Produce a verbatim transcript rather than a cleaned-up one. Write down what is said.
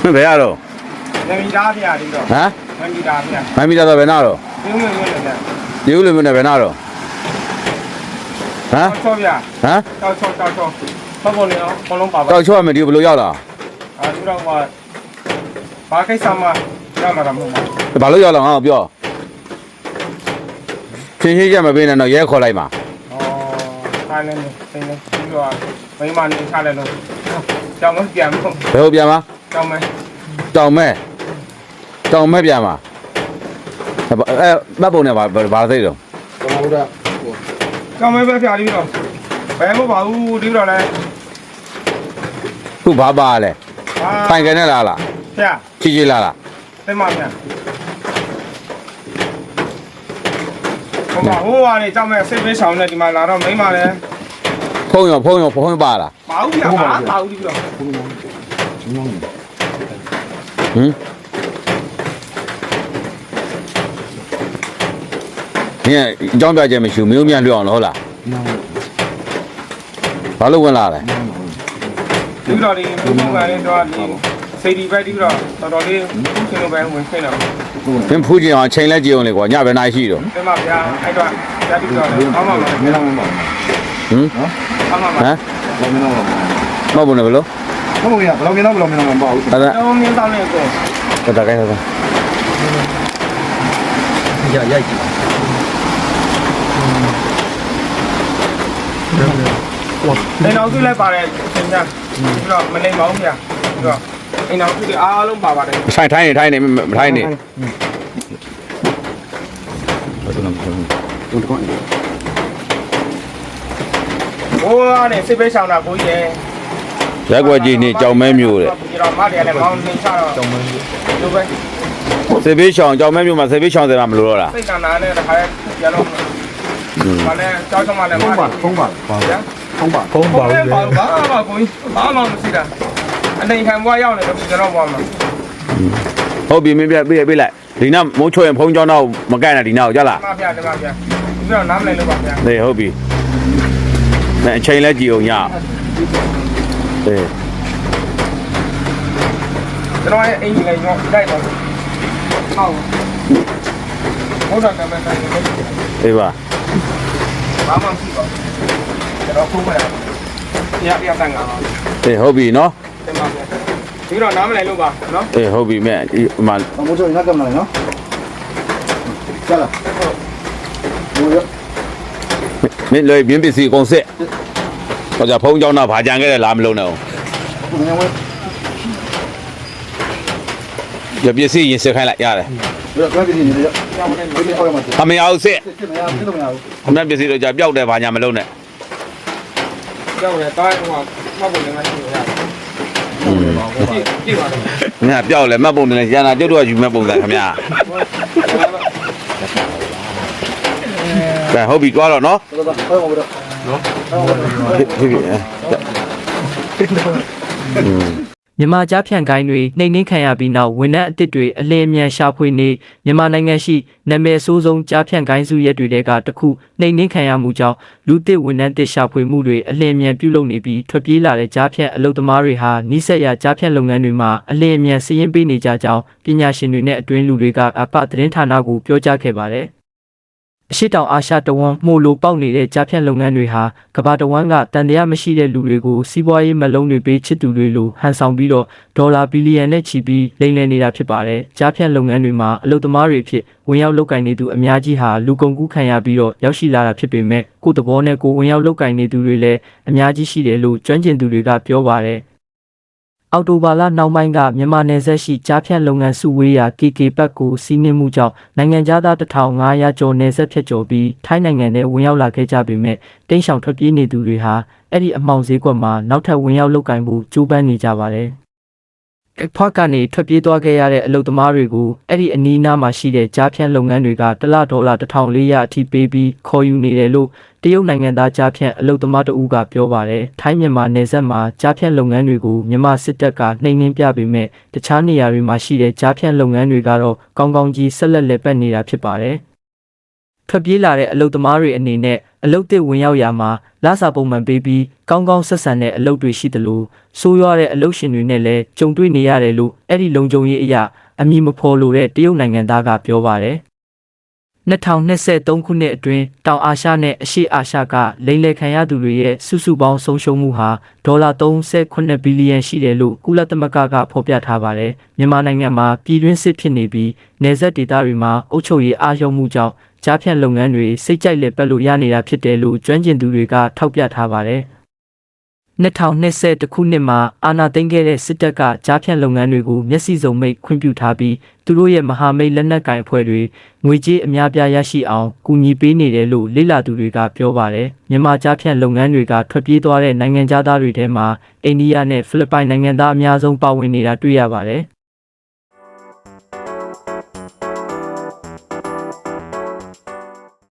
ဘယ်ရတော့ငမီသားပြရတယ်တော့ဟမ်ငမီသားပြငမီသားတော့ဘယ်နာတော့ပြုံးလို့ရတယ်ဒီဦးလူမျိုးနဲ့ဘယ်နာတော့ဟမ်ချောပြဟမ်တောက်ချောတောက်ချောဘာပေါ်နေအောင်ဘလုံးပါပါတောက်ချောရမယ်ဒီဘယ်လိုရောက်လာအာသူတော့ဘာဘာကိစ္စမှရမှာတော့မဟုတ်ဘူးဘာလို့ရောက်လာငါ့ကိုပြောချင်းချင်းချက်မပေးနဲ့တော့ရဲခေါ်လိုက်ပါဩဆိုင်နေနေနေပြီးတော့မိမနေချလိုက်လို့ကြောင်မပြန်ဘူးဘယ်လိုပြန်မှာကြောင်မဲတောင်မဲတောင်မဲပြန်မှာအဲမတ်ပုံနဲ့ဘာဘာသိတော့ဟုတ်တာကြောင်မဲပဲပြပြီးတော့ဘယ်မှမပါဘူးဒီတော့လဲခုဘာပါလဲပိုင်ကနေလားလားဗျာချီချီလားလားသိမဗျာဟိုမှာဟိုကနေကြောင်မဲစိတ်ပေးဆောင်နေဒီမှာလာတော့မိမလဲဖုံးရောဖုံးရောဖုံးပါလားပါဘူးဗျာပါပါဘူးဒီတော့ဟမ်ညအကြောင်းပြချက်မရှိဘူးမျိုးမြန်လွတ်အောင်လို့ဟုတ်လားဘာလို့ဝင်လာလဲဒီတော့ဒီဘုံဘုံကလည်းတော့ဒီစိတ်ဒီပဲဒီတော့တော်တော်လေးရှင်လိုပဲဝင်ခွင့်တော့မင်းဖူးကြည့်အောင်ချိန်လဲကြည့်အောင်လေကွာညဘယ်နာရှိတော့တင်ပါဗျာအဲ့တော့ဓာတ်ပြီးတော့အောင်းပါမယ်မင်းအောင်ပါဟမ်အောင်းပါမယ်ဟမ်မင်းအောင်ပါမဟုတ်ဘူးလေဘယ်လိုဟုတ်ဘူးရဘယ်လိုမင်းအောင်ဘယ်လိုမင်းအောင်မပါဘူးအဲ့ဒါတော့မင်းတောင်းနေကိုအဲ့ဒါကိုင်းတော့ရရိုက်ကြည့်အိမ်တော်စုလည်းပါတယ်သင်ကြားပြီးတော့မနေပါဘူးဗျာပြီးတော့အိမ်တော်စုတွေအားလုံးပါပါတယ်ထိုင်ထိုင်နေထိုင်နေမထိုင်နေဟိုကနေစစ်ပေးဆောင်တာကိုကြီးရဲ့ရက်ွက်ကြီးနေကြောင်မဲမျိုးတဲ့ဒီတော့မတယ်လည်းမောင်းနေချတော့ကြောင်မဲမျိုးလိုပဲစေဘေးရှောင်ကြောင်မဲမျိုးမှာစေဘေးရှောင်တယ်မှာမလို့တော့လားစိတ်ကနာနဲ့တခါလဲရတော့ဘာလဲကြောက်ချမလဲဖုံးပါဖုံးပါပါဗျာဖုံးပါဖုံးပါဘူးလေဘာမှကိုကြီးဘာမှမရှိတာအနေခံဘွားရောက်နေတော့ကျွန်တော်ဘွားမှာဟုတ်ပြီမင်းပြပြပြလိုက်ဒီနောက်မိုးချွေရင်ဖုံးကြောင်းတော့မကန့်နဲ့ဒီနောက်ကြလားမှန်ပါဗျာမှန်ပါဗျာဒီတော့နားမလဲလို့ပါဗျာနေဟုတ်ပြီအဲအချိန်လဲကြည့်အောင်ညအေးကျွန်တော်ရဲ့အင်ကြီးလည်းညောတိုက်ပါဟုတ်ဟုတ်တာကမှန်းတယ်အေးပါဘာမှမရှိပါဘူးကျွန်တော်ဖုန်းမရရရတန်ငါပါအေးဟုတ်ပြီနော်တင်ပါဗျာဒီတော့နားမလဲလို့ပါနော်အေးဟုတ်ပြီမဲ့ဒီမှာမိုးချိုငါကမလာနော်ကျလာမိုးရမင်းလွယ်ပြင်းပစ္စည်းကုန်စစ်ဟောကြဖုံးကြောင်းတော့ဗာကြံခဲ့တယ်လားမလုံးနဲ့ရပစ္စည်းရင်စစ်ခိုင်းလိုက်ရတယ်ဘယ်တော့ပစ္စည်းနေလဲအမေအောင်စစ်စစ်မရစစ်လို့မရဘူးအမေပစ္စည်းတော့ကြပျောက်တယ်ဗာညာမလုံးနဲ့ပျောက်တယ်တားဟိုမှာမှတ်ဖို့လည်းမရှိဘူးရကြည့်ပါတော့ငါပျောက်လဲမှတ်ပုံတယ်ရန်တာကျုပ်တို့ကယူမဲ့ပုံစံခင်ဗျာကဲဟုတ်ပြီတွားတော့နော်ဟုတ်ပါဘူးတော့နော်ဖြစ်ဖြစ်မြန်မာကြားဖြန့်ကိုင်းတွေနှိမ်နှင်းခံရပြီးနောက်ဝန်ထမ်းအသစ်တွေအလင်းအမြန်ရှာဖွေနေမြန်မာနိုင်ငံရှိနာမည်ဆိုးဆုံးကြားဖြန့်ကိုင်းစုရက်တွေကတခုနှိမ်နှင်းခံရမှုကြောင့်လူသစ်ဝန်ထမ်းသစ်ရှာဖွေမှုတွေအလင်းအမြန်ပြုလုပ်နေပြီးထွက်ပြေးလာတဲ့ကြားဖြန့်အလုပ်သမားတွေဟာနှိစက်ရကြားဖြန့်လုပ်ငန်းတွေမှာအလင်းအမြန်စီးရင်ပေးနေကြကြောင်းပညာရှင်တွေနဲ့အတွင်းလူတွေကအပသတင်းဌာနကိုပြောကြားခဲ့ပါတယ်အရှိတောင်အာရှတဝန်းမှုလိုပေါက်နေတဲ့ကြားဖြန့်လုပ်ငန်းတွေဟာကမ္ဘာတဝန်းကတန်တရားမရှိတဲ့လူတွေကိုစီးပွားရေးမလုံးတွေပေးချစ်သူတွေလိုဟန်ဆောင်ပြီးတော့ဒေါ်လာဘီလီယံနဲ့ချီပြီးလိမ်လည်နေတာဖြစ်ပါတယ်။ကြားဖြန့်လုပ်ငန်းတွေမှာအလုပ်သမားတွေဖြစ်ဝင်ရောက်လုပ်ကိုင်နေသူအများကြီးဟာလူကုန်ကူးခံရပြီးတော့ရောက်ရှိလာတာဖြစ်ပေမဲ့ကိုယ့်သဘောနဲ့ကိုယ်ဝင်ရောက်လုပ်ကိုင်နေသူတွေလည်းအများကြီးရှိတယ်လို့ကျွမ်းကျင်သူတွေကပြောပါတယ်။အော်တိုဘာလနောက်ပိုင်းကမြန်မာနယ်စပ်ရှိကြားဖြန့်လုပ်ငန်းစုဝေးရာ ကေ ကေ ဘတ်ကိုစီးနင်းမှုကြောင့်နိုင်ငံသားတစ်ထောင်ငါးရာကျော်နယ်စပ်ဖြတ်ကျော်ပြီးထိုင်းနိုင်ငံထဲဝင်ရောက်လာခဲ့ကြပေမဲ့တိန့်ရှောင်ထွက်ပြေးနေသူတွေဟာအဲ့ဒီအမှောင်ဈေးကွက်မှာနောက်ထပ်ဝင်ရောက်လုပ်ကိုင်ဖို့ကြိုးပမ်းနေကြပါတယ်။အဖွက်ကနေထွက်ပြေးသွားခဲ့ရတဲ့အလုပ်သမားတွေကိုအဲ့ဒီအနီးအနားမှာရှိတဲ့ကြားဖြန့်လုပ်ငန်းတွေကတစ်လဒေါ်လာတစ်ထောင်လေးရာအထိပေးပြီးခေါ်ယူနေတယ်လို့တရုတ်နိုင်ငံသားကြားဖြန့်အလုပ်သမားတဦးကပြောပါတယ်။ထိုင်းမြန်မာနယ်စပ်မှာကြားဖြန့်လုပ်ငန်းတွေကိုမြန်မာစစ်တပ်ကနှိမ်နင်းပြပေမဲ့တခြားနေရာတွေမှာရှိတဲ့ကြားဖြန့်လုပ်ငန်းတွေကတော့ကောင်းကောင်းကြီးဆက်လက်လည်ပတ်နေတာဖြစ်ပါတယ်။ထွက်ပြေးလာတဲ့အလုတ်သမားတွေအနေနဲ့အလုတ်တစ်ဝင်ရောက်ရာမှာလစာပုံမှန်ပေးပြီးကောင်းကောင်းဆက်ဆံတဲ့အလုပ်တွေရှိသလိုဆိုးရွားတဲ့အလုပ်ရှင်တွေနဲ့လည်းကြုံတွေ့နေရတယ်လို့အဲ့ဒီလုံခြုံရေးအရာအမည်မဖော်လို့တဲ့တရုတ်နိုင်ငံသားကပြောပါတယ်နှစ်ထောင်နှစ်ဆယ်သုံးခုနှစ်အတွင်းတောင်အာရှနဲ့အရှေ့အာရှကလိမ်လည်ခံရသူတွေရဲ့စုစုပေါင်းဆုံးရှုံးမှုဟာဒေါ်လာသုံးဆယ်ခုနှစ်ဘီလီယံရှိတယ်လို့ကုလသမဂ္ဂကဖော်ပြထားပါတယ်မြန်မာနိုင်ငံမှာပြည်တွင်းစစ်ဖြစ်နေပြီးနယ်စပ်ဒေသတွေမှာအုပ်ချုပ်ရေးအားလျော့မှုကြောင့်ကြားဖြတ်လုပ်ငန်းတွေစိတ်ကြိုက်လက်ပတ်လို့ရနေတာဖြစ်တယ်လို့ကျွမ်းကျင်သူတွေကထောက်ပြထားပါတယ်နှစ်ထောင်နှစ်ဆယ်တခုနှစ်မှာအာဏာသိမ်းခဲ့တဲ့စစ်တပ်ကကြားဖြတ်လုပ်ငန်းတွေကိုမျက်စိစုံမိတ်ခွင့်ပြုထားပြီးသူတို့ရဲ့မဟာမိတ်လက်နက်ကိုင်အဖွဲ့တွေငွေကြေးအများပြားရရှိအောင်ကူညီပေးနေတယ်လို့လေ့လာသူတွေကပြောပါတယ်မြန်မာကြားဖြတ်လုပ်ငန်းတွေကထွက်ပြေးသွားတဲ့နိုင်ငံသားတွေထဲမှာအိန္ဒိယနဲ့ဖိလစ်ပိုင်နိုင်ငံသားအများဆုံးပါဝင်နေတာတွေ့ရပါတယ်